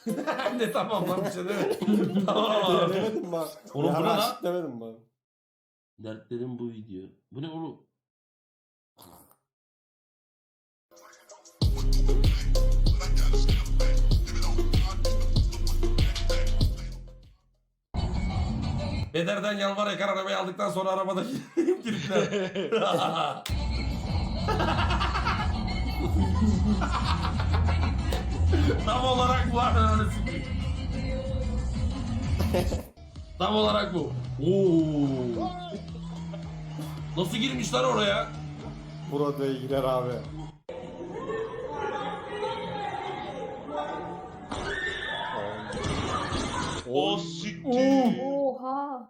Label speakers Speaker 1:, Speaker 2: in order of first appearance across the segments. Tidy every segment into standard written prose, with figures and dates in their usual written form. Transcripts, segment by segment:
Speaker 1: Ne tamam lan bir şey demedim. Tamam.
Speaker 2: Demedim bak.
Speaker 1: Oğlum bu ne lan?
Speaker 2: Raşit demedim bak.
Speaker 1: Dertlerim bu video. Bu ne oğlum? Bederden yalvar yakar arabayı aldıktan sonra arabada kilitler. Tam olarak bu ananı sikeyim. Tam olarak bu. Oo. Nasıl girmişler oraya?
Speaker 2: Broadway'e girer abi.
Speaker 3: O siktir.
Speaker 4: Oha.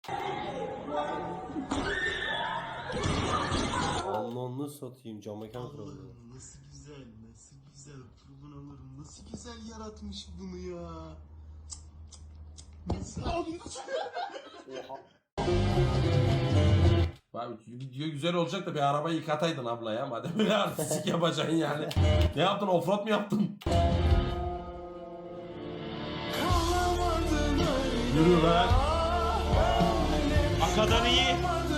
Speaker 2: Allah'ını satayım, cam mekan kırıldı.
Speaker 5: Nasıl güzel, nasıl güzel. Kurban olurum. Nasıl güzel yaratmış bunu ya. Nasıl?
Speaker 1: Abi video güzel olacak da bir arabayı yıkataydın abla ya. Madem öyle artistik yapacaksın yani. Ne yaptın? Offroad mu yaptın? Yürü lan.
Speaker 3: Akadan iyi.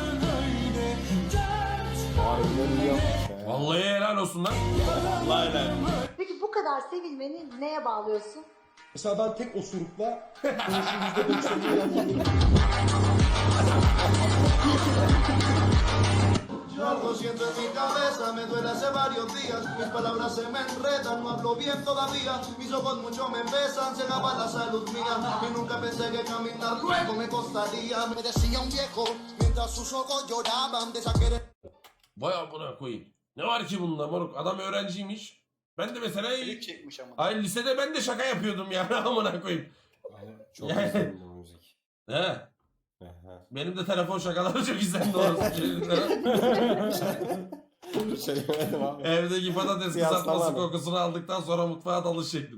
Speaker 2: Harbiden iyi yapmış ya.
Speaker 1: Vallahi helal olsun lan.
Speaker 3: Vallahi helal.
Speaker 6: Peki bu kadar sevilmeni neye bağlıyorsun?
Speaker 5: Mesela ben tek osurukla konuşun %90'ını yapıyorum.
Speaker 7: Algo siento en mi cabeza, me duele hace varios días. Mis palabras se me enredan, no hablo bien todavía. Mis ojos mucho me besan, se acaba la salud mía. Y nunca pensé que caminar luego me costaría. Me decía un viejo, mientras sus ojos lloraban de esa querer.
Speaker 1: Vay amına koyayım. Ne var ki bunda moruk? Adam öğrenciymiş. Ben de mesela
Speaker 3: Klip çekmiş ama.
Speaker 1: ay lisede ben de şaka yapıyordum yani amına koyayım.
Speaker 2: Çok
Speaker 1: Yani-
Speaker 2: güzel bu müzik.
Speaker 1: He.
Speaker 2: Aha.
Speaker 1: Benim de telefon şakaları çok izlendi orası.
Speaker 2: Söylemedim abi.
Speaker 1: Evdeki patates
Speaker 2: Kıyaslama
Speaker 1: kızartması
Speaker 2: abi.
Speaker 1: kokusunu aldıktan sonra mutfağa dalış şeklim.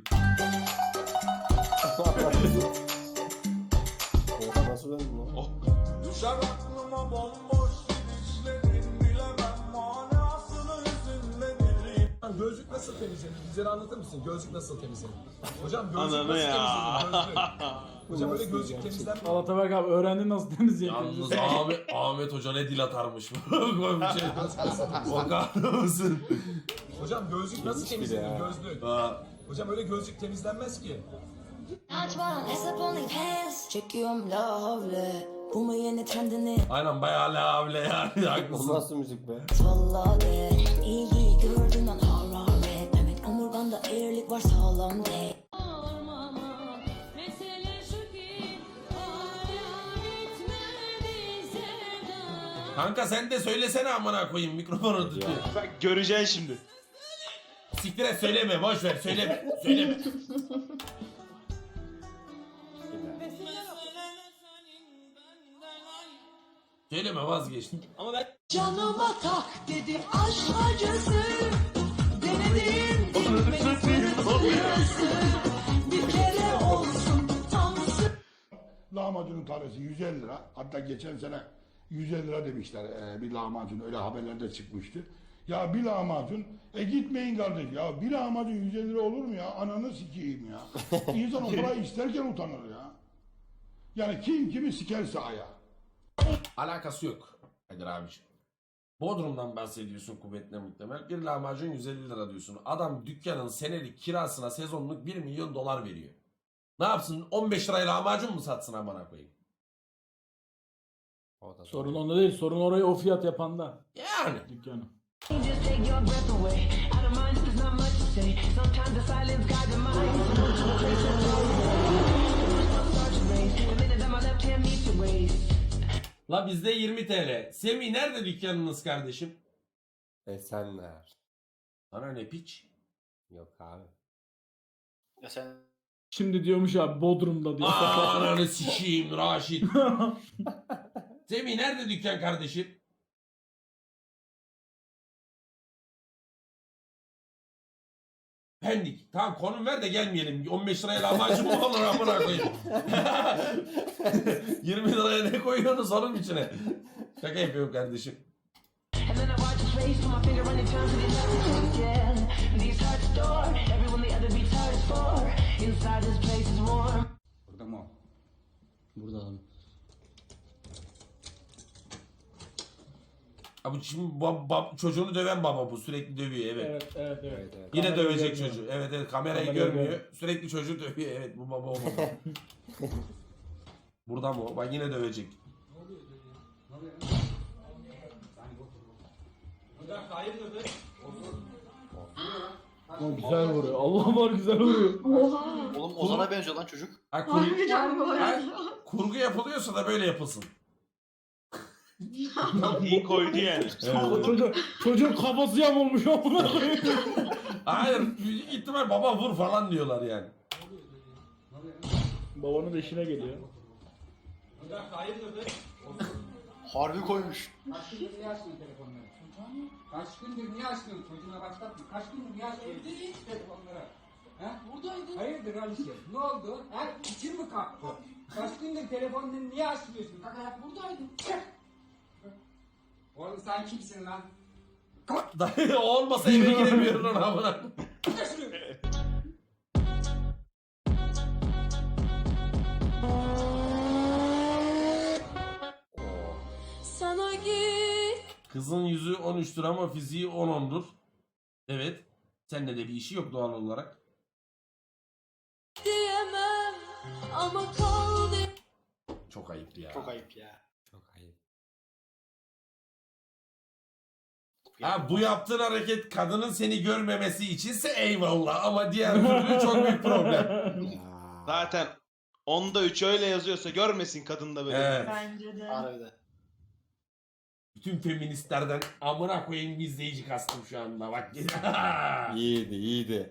Speaker 2: Oha, nasıl döndün lan?
Speaker 3: Oh.
Speaker 7: Düşer aklıma bomboş gidişlerin, bilemem manasını hüzünle direyim.
Speaker 8: Gözlük nasıl temizlenir? Bize anlatır mısın? Gözlük nasıl temizlenir? Hocam gözlük
Speaker 3: Ananı
Speaker 8: nasıl
Speaker 3: ya.
Speaker 8: temizlenir? Gözlük. Hocam öyle
Speaker 2: Nasıl
Speaker 8: gözlük
Speaker 2: gerçek?
Speaker 8: temizlenmez.
Speaker 9: Alatabek abi öğrendin nasıl temizleyeceğini.
Speaker 1: Yalnız Ahmet Hoca ne dil atarmış. Koy bir şey. Bakar mısın?
Speaker 8: Hocam gözlük nasıl
Speaker 2: Gitmiş
Speaker 8: temizlenir?
Speaker 2: bile ya.
Speaker 8: Gözlük.
Speaker 1: Ha.
Speaker 8: Hocam öyle gözlük temizlenmez ki.
Speaker 10: Çekiyorum la havle. Bu mu yeni trendini?
Speaker 1: Aynen bayağı lavle yani
Speaker 2: Bu
Speaker 1: haklısın.
Speaker 2: nasıl müzik be?
Speaker 10: Salla de. İlgiyi gördün an hararet. Demek omurganda eğrilik var sağlam de.
Speaker 1: Kanka sen de söylesene amına koyayım mikrofonu tutuyor.
Speaker 3: Bak göreceksin şimdi.
Speaker 1: Siktir et söyleme boş ver söyleme. Söyleme. Söyleme vazgeçtim.
Speaker 3: Ama ben
Speaker 10: Canıma tak dedim aşk acısı. Denedim bir kere olsun tam
Speaker 11: Lahmacunun tanesi 150 lira. Hatta geçen sene 150 lira demişler bir lahmacun, öyle haberlerde çıkmıştı. Ya bir lahmacun, gitmeyin kardeş ya, bir lahmacun 150 lira olur mu ya? Ananı sikeyim ya. İnsan o parayı isterken utanır ya. Yani kim kimi sikerse aya.
Speaker 1: Alakası yok Kadir abiciğim. Bodrum'dan bahsediyorsun kuvvetle muhtemel. Bir lahmacun 150 lira diyorsun. Adam dükkanın senelik kirasına sezonluk 1 milyon dolar veriyor. Ne yapsın 15 liraya lahmacun mu satsın amına koyayım?
Speaker 2: O da
Speaker 9: Sorun onda değil. Sorun orayı o fiyat yapanda.
Speaker 1: Yani.
Speaker 9: Dükkanı.
Speaker 1: La bizde 20 TL. Semih nerede dükkanınız kardeşim?
Speaker 2: Esenler.
Speaker 1: Sana ne piç?
Speaker 2: Yok abi.
Speaker 3: ya sen
Speaker 9: Şimdi diyormuş abi Bodrum'da diyor.
Speaker 1: Ananı sikeyim Raşit. Semih nerede dükkan kardeşim? Pendik. Tamam konum ver de gelmeyelim. 15 liraya lahmacun mu olur amına koyayım? 20 liraya ne koyuyorsunuz onun içine? Şaka yapıyorum kardeşim.
Speaker 10: These hearts adored everyone the other beats hard as for. Inside is
Speaker 2: Burada abi.
Speaker 1: Abi şimdi çocuğunu döven baba bu, sürekli dövüyor, evet.
Speaker 9: Evet.
Speaker 2: Evet evet.
Speaker 1: Yine
Speaker 9: Kamerayı
Speaker 1: dövecek
Speaker 9: görmüyor.
Speaker 1: çocuğu. Evet kamerayı
Speaker 9: Kamerayı
Speaker 1: görmüyor.
Speaker 9: görmüyor.
Speaker 1: Sürekli çocuğu dövüyor. Evet bu baba o baba. Burada mı o? Bak yine dövecek.
Speaker 9: Ama güzel vuruyor. Allah var güzel vuruyor.
Speaker 3: Oğlum Ozan'a benziyor lan çocuk.
Speaker 1: Ha, kurgu yapılıyorsa da böyle yapılsın.
Speaker 3: İyi koydu yani.
Speaker 9: Çocuğun kafası yamulmuş amına koyayım.
Speaker 1: Hayır büyük ihtimal baba vur falan diyorlar yani.
Speaker 9: Babanın da işine geliyor.
Speaker 3: Harbi koymuş.
Speaker 8: Kaç gündür niye açmıyorsun telefonları? Kaç gündür niye açmıyorsun? Çocuğuna başlatma. Kaç gündür niye açmıyorsun telefonları? He? Buradaydı. Hayırdır Alice? Ne oldu? He? İçin mi kalktı? Kaç gündür telefonunu niye açmıyorsun? Kalk ayak buradaydım. Oğlum sen kimsin lan?
Speaker 1: Dayı o olmasa eve giremiyorum lan amına.
Speaker 10: Sana git
Speaker 1: Kızın yüzü 13'tür ama fiziği 10'dur. Evet. Seninle de bir işi yok doğal olarak.
Speaker 10: diyemem ama kal de.
Speaker 1: Çok ayıp ya.
Speaker 3: Çok ayıp ya.
Speaker 2: Çok ayıp.
Speaker 1: Ha, bu yaptığın hareket kadının seni görmemesi içinse eyvallah ama diğer türlü çok büyük problem.
Speaker 2: Ya.
Speaker 3: Zaten onda 3 öyle yazıyorsa görmesin kadın da böyle.
Speaker 1: Evet.
Speaker 6: Bence de.
Speaker 3: Harbiden.
Speaker 1: Bütün feministlerden amına koyayım bir izleyici kastım şu anda bak.
Speaker 2: İyiydi iyiydi.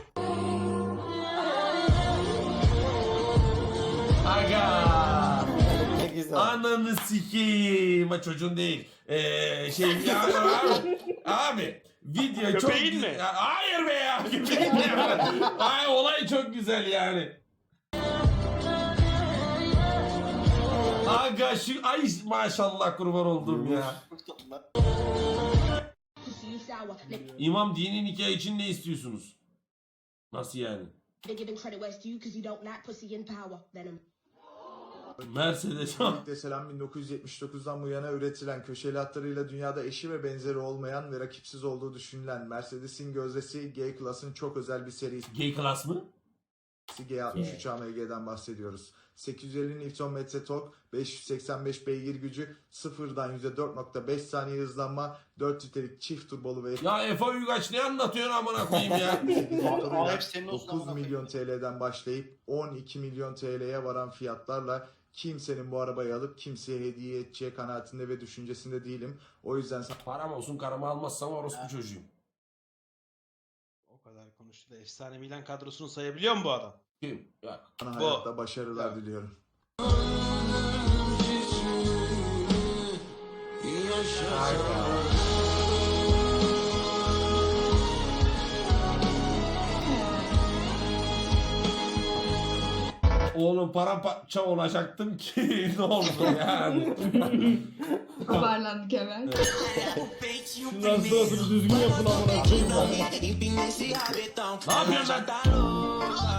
Speaker 1: Aga.
Speaker 2: Ne güzel.
Speaker 1: Ananı sikeyim. Ha, çocuğun değil. Ya abi video çok
Speaker 3: Köpeğin mi?
Speaker 1: Ya, hayır be ya. Köpeğin mi? Ay olay çok güzel yani. Aga şu ay maşallah kurban oldum ya. İmam dini nikah için ne istiyorsunuz? Nasıl yani? Mercedes.
Speaker 4: Öncelikle selam 1979'dan bu yana üretilen köşeli hatlarıyla dünyada eşi ve benzeri olmayan ve rakipsiz olduğu düşünülen Mercedes'in gözdesi G-Class'ın çok özel bir serisi
Speaker 1: Gay class mı?
Speaker 4: G63 AMG'den bahsediyoruz. 850 Nm tork, 585 beygir gücü, sıfırdan %4.5 saniye hızlanma, 4 litrelik çift turbolu ve
Speaker 1: Ya Efe Uygaç ne anlatıyorsun amına koyayım ya?
Speaker 3: Abi hep senin olsun
Speaker 4: 9
Speaker 3: amına
Speaker 4: milyon TL'den başlayıp 12 milyon TL'ye varan fiyatlarla kimsenin bu arabayı alıp kimseye hediye edeceği kanaatinde ve düşüncesinde değilim. O yüzden
Speaker 1: Param olsun karımı almazsam orospu çocuğum.
Speaker 3: O kadar konuştu da efsane Milan kadrosunu sayabiliyor mu bu adam?
Speaker 1: Kim? Yok.
Speaker 4: sana
Speaker 3: Bu.
Speaker 4: hayatta başarılar diliyorum.
Speaker 1: Oğlum paramparça olacaktım ki ne oldu yani?
Speaker 6: Toparlandık hemen.
Speaker 9: Şundan sonrasını düzgün yapın amına koyayım.
Speaker 1: Ne yapıyorsun lan?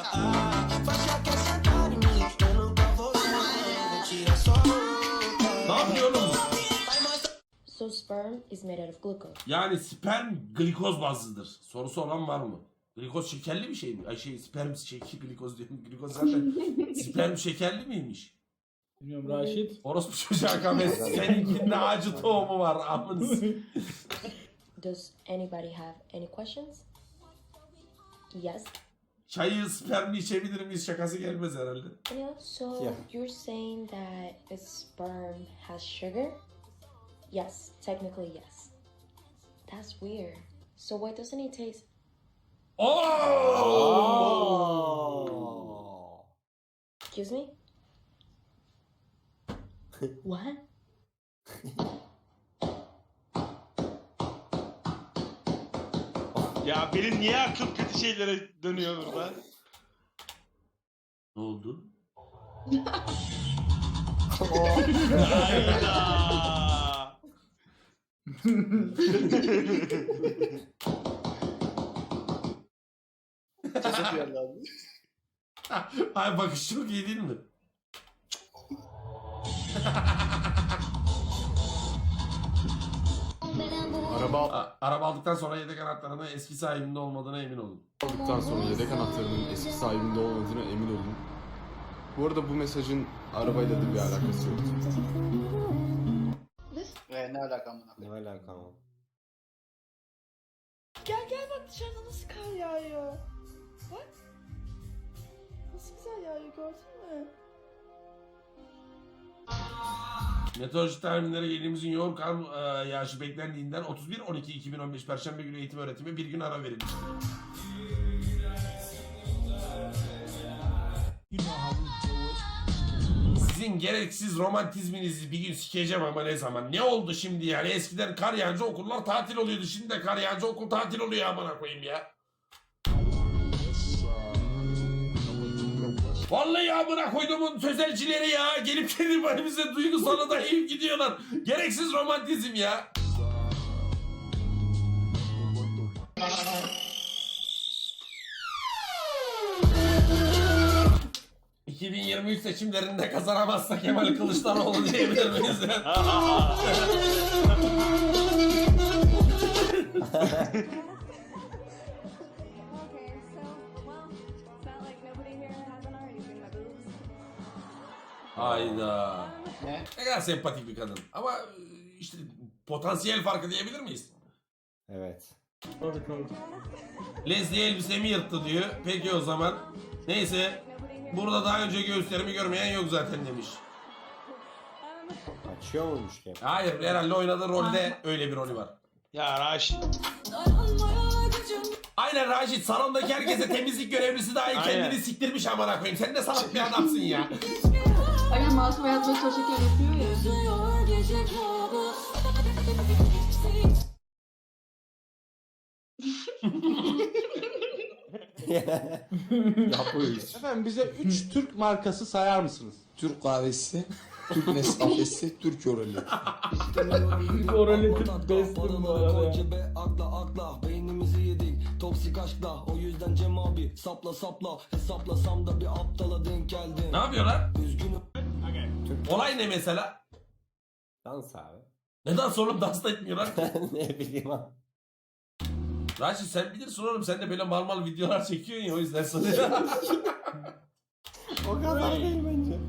Speaker 1: Ne yapıyorsun oğlum?
Speaker 10: So sperm is made out of glucose.
Speaker 1: Yani sperm glikoz bazlıdır. Sorusu olan var mı? Glikoz şekerli bir şey mi? Ay sperm glikoz diyorum. Glikoz zaten sperm şekerli miymiş?
Speaker 9: Bilmiyorum Raşit.
Speaker 1: Orospu çocuğa kames. Seninkinde acı tohumu var. Amınız.
Speaker 10: Does anybody have any questions? Yes.
Speaker 1: Çayı spermli içebilir miyiz şakası gelmez herhalde.
Speaker 10: Yeah, so
Speaker 2: Yeah.
Speaker 10: you're saying that a sperm has sugar? Yes, technically yes. That's weird. So why doesn't it taste?
Speaker 1: Oh!
Speaker 10: Excuse me? What?
Speaker 3: Ya benim niye aklım kötü şeylere dönüyor burada?
Speaker 1: Ne oldu?
Speaker 3: Hayda.
Speaker 1: Ay bakış çok iyi değil mi? Araba aldıktan sonra yedek anahtarının eski sahibinde olmadığına emin olun.
Speaker 2: Aldıktan sonra yedek anahtarının eski sahibinde olmadığına emin olun. Bu arada bu mesajın arabayla da bir alakası yok.
Speaker 5: Ne alakam var?
Speaker 2: Ne alaka ama?
Speaker 6: Gel bak dışarıda nasıl kar yağıyor. Bak. Nasıl güzel yağıyor gördün mü?
Speaker 1: Meteoroloji tahminleri ilimizin yoğun kar yağışı beklendiğinden 31-12-2015 Perşembe günü eğitim öğretimi bir gün ara verilmiştir. Sizin gereksiz romantizminizi bir gün sikeceğim ama ne zaman? Ne oldu şimdi yani? Eskiden kar yağınca okullar tatil oluyordu. Şimdi de kar yağınca okul tatil oluyor amına koyayım ya. Vallahi amına koyduğumun sözelcileri ya. Gelip bize duygusala da eğip gidiyorlar. Gereksiz romantizm ya. ...2023 seçimlerinde kazanamazsa Kemal Kılıçdaroğlu diyebilir miyiz? Hayda. Ne kadar sempatik bir kadın. Ama işte potansiyel farkı diyebilir miyiz?
Speaker 2: Evet.
Speaker 1: Leslie elbisemi yırttı diyor. Peki o zaman. Neyse. Burada daha önce göğüslerimi görmeyen yok zaten demiş.
Speaker 2: Açıyor muymuş ki?
Speaker 1: Hayır herhalde oynadığı rolde öyle bir rolü var.
Speaker 3: Ya Raşit.
Speaker 1: Aynen Raşit salondaki herkese temizlik görevlisi dahil kendini siktirmiş amına koyayım. Sen de salak bir adamsın ya.
Speaker 6: Aynen masum hayatına çalışırken yapıyor ya.
Speaker 2: Yapıyor hiç.
Speaker 3: Efendim bize 3 Türk markası sayar mısınız?
Speaker 5: Türk kahvesi, Türk Nescafe'si, Türk Orali.
Speaker 9: Oraletin bestim bu arada ya.
Speaker 5: Akla beynimizi yedik toksik aşkla o yüzden Cem abi sapla hesaplasam da bir aptala denk geldim.
Speaker 1: Ne yapıyorlar?
Speaker 5: Üzgünüm.
Speaker 1: Olay ne mesela?
Speaker 2: Dans abi.
Speaker 1: Neden sonra dans da etmiyorlar?
Speaker 2: Ne bileyim abi.
Speaker 1: Raşit sen bilirsin oğlum sen de böyle mal videolar çekiyorsun ya o yüzden sana.
Speaker 2: O kadar değil bence.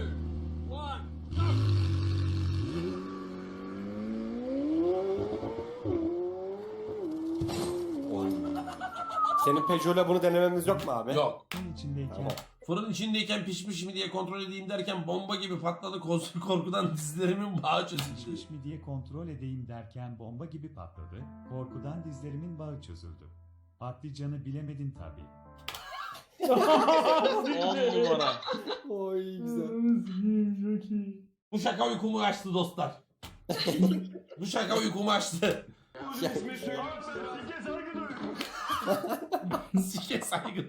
Speaker 2: Oy. Senin Peugeot'la bunu denememiz yok mu abi?
Speaker 1: Yok.
Speaker 2: Tamam.
Speaker 1: Fırın içindeyken pişmiş mi diye kontrol edeyim derken bomba gibi patladı korkudan dizlerimin bağı çözüldü.
Speaker 12: Pişmiş mi diye kontrol edeyim derken bomba gibi patladı. Korkudan dizlerimin bağı çözüldü. Patlıcanı bilemedin tabii.
Speaker 3: 10 numara.
Speaker 2: Oy güzel.
Speaker 1: Bu şaka uykumu açtı dostlar. Bu şaka uykumu açtı. Sike saygı.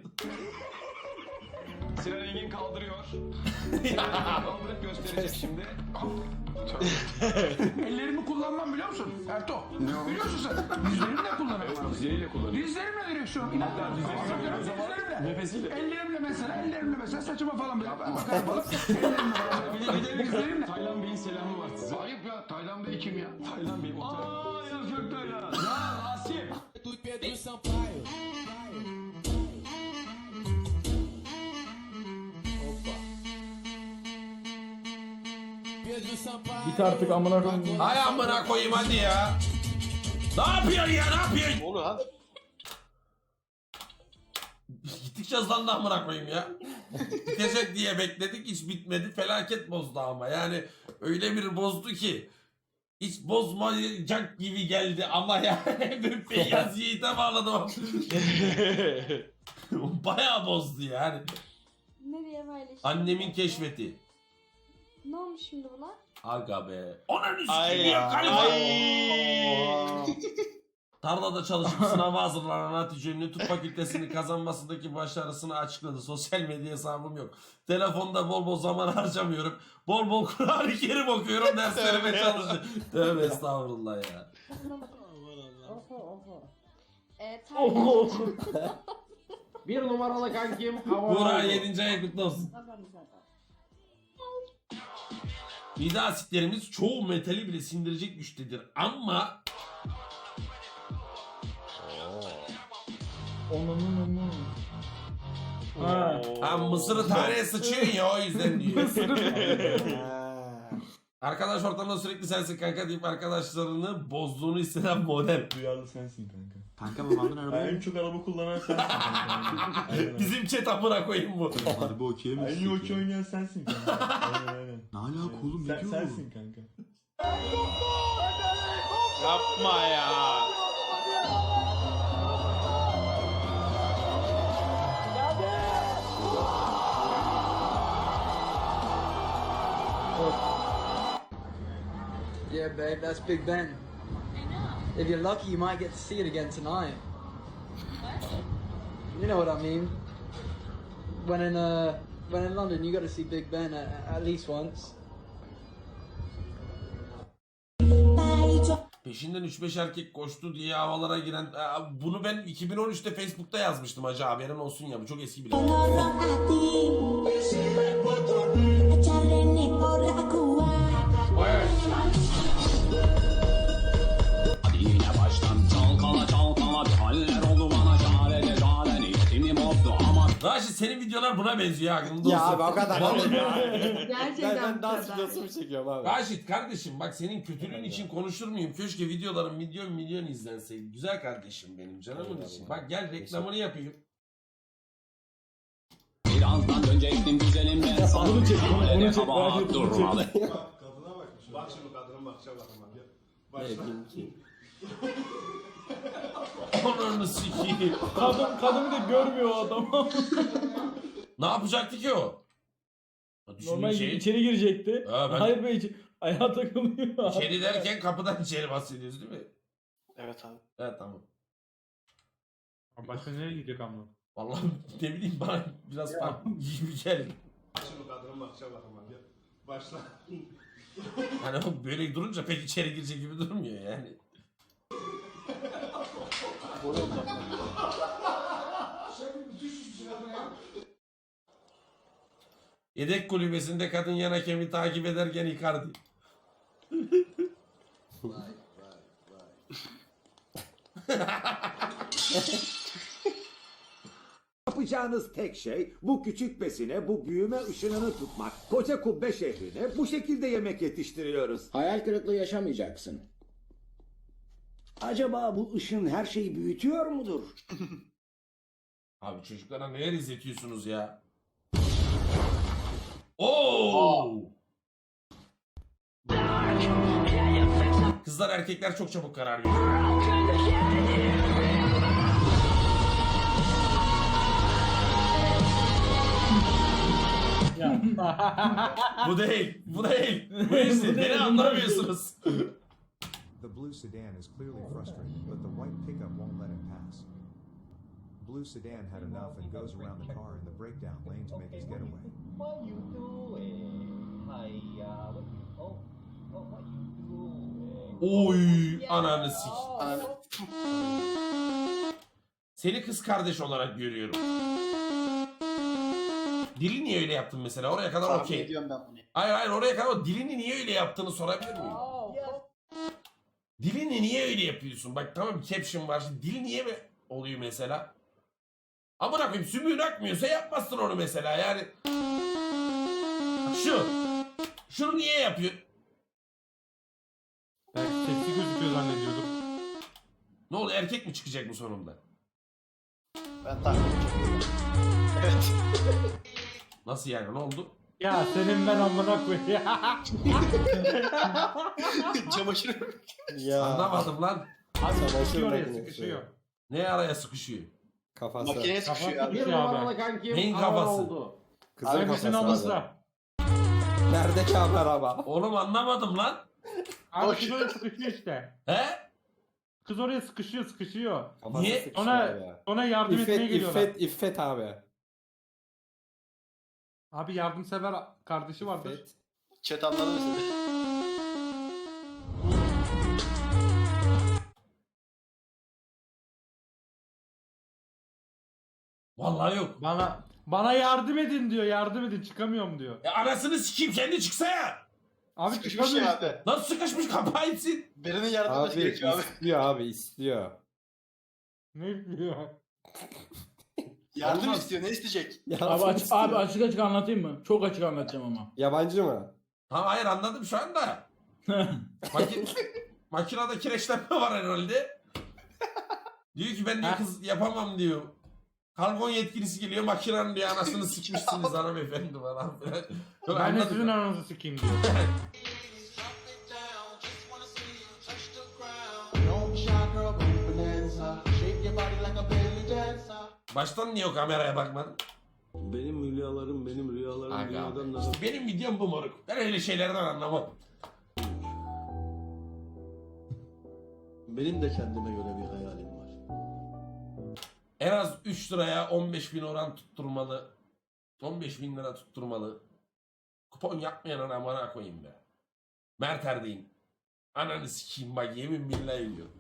Speaker 5: Sinan Engin kaldırıyor. Kaldırıp göstereceğiz şimdi.
Speaker 11: Ellerimi kullanmam biliyor musun Erto? Biliyorsun sen. Dizlerimle kullanıyorum.
Speaker 5: Dizleriyle kullanıyor.
Speaker 11: Dizlerimle direksiyon. İnanmıyorum. Dizlerimle.
Speaker 5: Nefesiyle.
Speaker 11: Ellerimle mesela saçıma falan böyle bakarım falan. Ellerimle. Dizlerimle.
Speaker 5: Taylan Bey'in selamı var size.
Speaker 11: Ayıp ya. Taylan Bey kim ya?
Speaker 5: Taylan Bey otel.
Speaker 11: Yazık Taylan.
Speaker 5: Ya Rasim.
Speaker 9: Git artık amına koyayım.
Speaker 1: Hay amına koyayım hadi ya. Ne yapıyorsun ya ne yapıyorsun?
Speaker 3: Ne oluyor lan?
Speaker 1: Gittikçe hızlandı amına koyayım ya. Bitecek diye bekledik hiç bitmedi. Felaket bozdu ama yani öyle bir bozdu ki. Hiç bozmayacak gibi geldi ama yani bir Feyyaz Yiğit'e bağladım. Bayağı bozdu yani.
Speaker 10: Nereye paylaşayım?
Speaker 1: Annemin keşfeti.
Speaker 10: Ne olmuş şimdi buna?
Speaker 1: Aga be. Onun
Speaker 3: Ay
Speaker 1: üstü ya galiba.
Speaker 3: ay.
Speaker 1: Tarlada çalışıp sınava hazırlanan Hatice Ünlü tıp fakültesini kazanmasındaki başarısını açıkladı. Sosyal medya hesabım yok. Telefonda bol bol zaman harcamıyorum. Bol bol Kur'an-ı Kerim okuyorum. Derslerime çalışıyorum. Tövbe estağfurullah ya.
Speaker 9: Bir numaralı kankim.
Speaker 1: Buğra 7. ay kutlu olsun. Mide asitlerimiz çoğu metali bile sindirecek güçtedir. Ama
Speaker 9: Onun. Ha.
Speaker 1: ha, mısırı taneye sıçıyorsun ya, o yüzden diyor. Arkadaş ortamında sürekli sensin kanka deyip arkadaşlarını bozduğunu hisseden model.
Speaker 2: Duyarlı sensin kanka.
Speaker 3: Kanka babamdan arabaya
Speaker 2: En çok araba kullanan sensin kanka.
Speaker 1: Bizim chat amına koyayım bu.
Speaker 4: Harbi okey mi?
Speaker 2: En iyi okey oynayan sensin kanka. Aynen.
Speaker 4: Ne alaka oğlum, ne diyor bu?
Speaker 2: Sensin kanka.
Speaker 3: Yapma ya.
Speaker 5: Yeah, babe, that's Big Ben. If you're lucky, you might get to see it again tonight. You know what I mean? When in London, you got to see Big Ben at least once.
Speaker 1: Peşinden 3-5 erkek koştu diye havalara giren... Bunu ben 2013'te Facebook'ta yazmıştım hacı, haberin olsun ya, bu çok eski bile. Raşit, senin videolar buna benziyor, aklında olsun.
Speaker 13: Ya abi o kadar.
Speaker 6: Gerçekten
Speaker 13: Ben dans
Speaker 6: bu kadar.
Speaker 13: videosu mu çekiyorum abi?
Speaker 1: Raşit kardeşim, bak senin kötülüğün için konuşur muyum? Keşke videoların milyon izlenseydi. Güzel kardeşim benim, canımın için. Bak gel reklamını yapayım.
Speaker 5: Birazdan dönecektim güzelim ben sana.
Speaker 9: Onu çek, onu çek. Raşit,
Speaker 5: Durmalı.
Speaker 7: Kadına bakmış. Bak şimdi kadının bakışa bakın bak. Başla.
Speaker 1: Ananı sikeyim.
Speaker 9: Kadını da görmüyor o adam.
Speaker 1: Ne yapacaktı ki o?
Speaker 9: Normal içeri girecekti.
Speaker 1: Ha, ben-
Speaker 9: Hayır be, ayağa takılıyor.
Speaker 1: İçeri derken kapıdan içeri bahsediyoruz değil mi?
Speaker 3: Evet abi.
Speaker 1: Evet, tamam.
Speaker 9: Başka nereye gidecek ama?
Speaker 1: Vallahi ne bileyim, bana biraz farklı gibi geldi.
Speaker 7: Bak şimdi kadının bakışa bakın bak. Başla.
Speaker 1: Hani o böyle durunca pek içeri girecek gibi durmuyor yani. Yedek kulübesinde kadın yan hakemi takip ederken Icardi.
Speaker 13: Yapacağınız tek şey bu küçük besine bu büyüme ışınını tutmak. Koca kubbe şehrine bu şekilde yemek yetiştiriyoruz.
Speaker 5: Hayal kırıklığı yaşamayacaksın.
Speaker 13: Acaba bu ışın her şeyi büyütüyor mudur?
Speaker 1: Abi çocuklara neler izletiyorsunuz ya? Oo! Kızlar erkekler çok çabuk karar veriyor. Bu değil, bu değil. Bu işte, beni anlamıyorsunuz.
Speaker 14: The blue sedan is clearly frustrated, but the white pickup won't let it pass. Blue sedan had enough and goes around the car in the breakdown lane to make his getaway.
Speaker 8: What you doing? Hiya, what you... Oh, what you doing?
Speaker 1: Oy, ananı sik. Seni kız kardeş olarak görüyorum. Dili niye öyle yaptın mesela? Oraya kadar okey. Hayır, oraya kadar o dilini niye öyle yaptığını sorabilir miyim? Dilini niye öyle yapıyorsun? Bak tamam, caption var. Şimdi dili niye mi oluyor mesela? Amına koyayım, sümüğün akmıyorsa yapmazsın onu mesela yani. Şunu niye yapıyor?
Speaker 9: Belki seksi gözüküyor zannediyordum.
Speaker 1: Ne oldu, erkek mi çıkacak bu sonunda?
Speaker 3: Ben takip ediyorum. Evet.
Speaker 1: Nasıl yani, ne oldu?
Speaker 9: Ya senin ben amına koyayım.
Speaker 3: Çamaşır.
Speaker 1: Anlamadım lan.
Speaker 9: Abi sıkışıyor oraya, sıkışıyor.
Speaker 1: Ne araya sıkışıyor?
Speaker 13: Kafası.
Speaker 3: Makineye sıkışıyor abi.
Speaker 9: Bir numaralı kankim
Speaker 1: Neyin
Speaker 9: araba
Speaker 1: kafası?
Speaker 9: oldu.
Speaker 13: Kızın
Speaker 9: Hangisinin
Speaker 13: kafası abi.
Speaker 9: alırsa.
Speaker 13: Nerede ki abi araba?
Speaker 1: Oğlum anlamadım lan.
Speaker 9: Abi kız oraya sıkışıyor işte.
Speaker 1: He?
Speaker 9: Kız oraya sıkışıyor.
Speaker 13: Kafası
Speaker 1: Niye?
Speaker 13: sıkışıyor
Speaker 9: Ona,
Speaker 13: ya.
Speaker 9: ona yardım etmeye geliyorlar.
Speaker 13: İffet abi.
Speaker 9: Abi yardımsever kardeşi vardır.
Speaker 13: İffet.
Speaker 3: Chat anladı mı seni?
Speaker 1: Vallahi yok.
Speaker 9: Bana yardım edin diyor, yardım edin, çıkamıyorum diyor.
Speaker 1: Anasını sikeyim, kendi çıksa ya.
Speaker 9: Abi
Speaker 3: Sıkışmış
Speaker 9: çıkamıyor.
Speaker 3: ya abi.
Speaker 1: Nasıl sıkışmış kapağı itsin?
Speaker 3: Birinin yardımı gerekiyor abi.
Speaker 2: istiyor abi istiyor.
Speaker 9: Ne yapıyor?
Speaker 3: Yardım
Speaker 1: Olmaz.
Speaker 3: istiyor. Ne isteyecek?
Speaker 9: Abi açık açık anlatayım mı? Çok açık anlatacağım ama.
Speaker 2: Yabancı mı?
Speaker 1: Tamam hayır anladım şu anda. Makinede kireçlenme var herhalde. Diyor ki ben diyor kız yapamam diyor. Kargon yetkilisi geliyor makinenin diyor anasını sıkmışsınız hanımefendi falan filan. Yok,
Speaker 9: Ben de
Speaker 1: anladım.
Speaker 9: sizin aranızı sikeyim diyor.
Speaker 1: Baştan niye o kameraya bakmadın?
Speaker 5: Benim hülyalarım benim rüyalarım
Speaker 1: Aga,
Speaker 5: dünyadan daha...
Speaker 1: işte benim videom bu moruk. Ben öyle şeylerden anlamam.
Speaker 5: Benim de kendime göre bir hayalim var.
Speaker 1: En az 3 liraya 15.000 oran tutturmalı. 15.000 lira tutturmalı. Kupon yapmayan amına koyayım be. Mert Erdeğin. Ananı sikeyim bak yemin billahi diyor.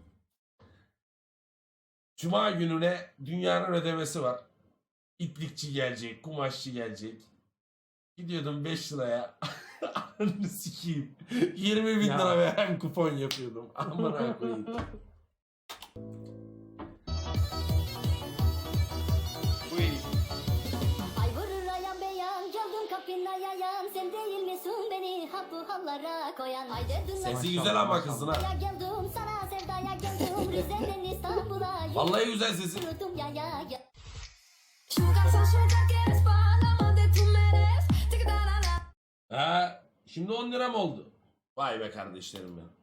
Speaker 1: Cuma gününe dünyanın ödemesi var. İplikçi gelecek, kumaşçı gelecek. Gidiyordum 5 liraya. Ananı sikeyim. 20.000 lira veren kupon yapıyordum. Amına koyayım.
Speaker 3: Bu iyi.
Speaker 10: Ay vurur ayan beyan, geldim kapına yayan. Sen değil misin beni hap bu hallara koyan? Ay dedim
Speaker 1: Sesi güzel ama kızın ha.
Speaker 10: ya geldim sana sevdaya geldim. Rize'den İstanbul'a
Speaker 1: Vallahi güzel sesi.
Speaker 10: yürüdüm ya ya ya.
Speaker 1: Ha, şimdi 10 lira mı oldu? Vay be kardeşlerim benim.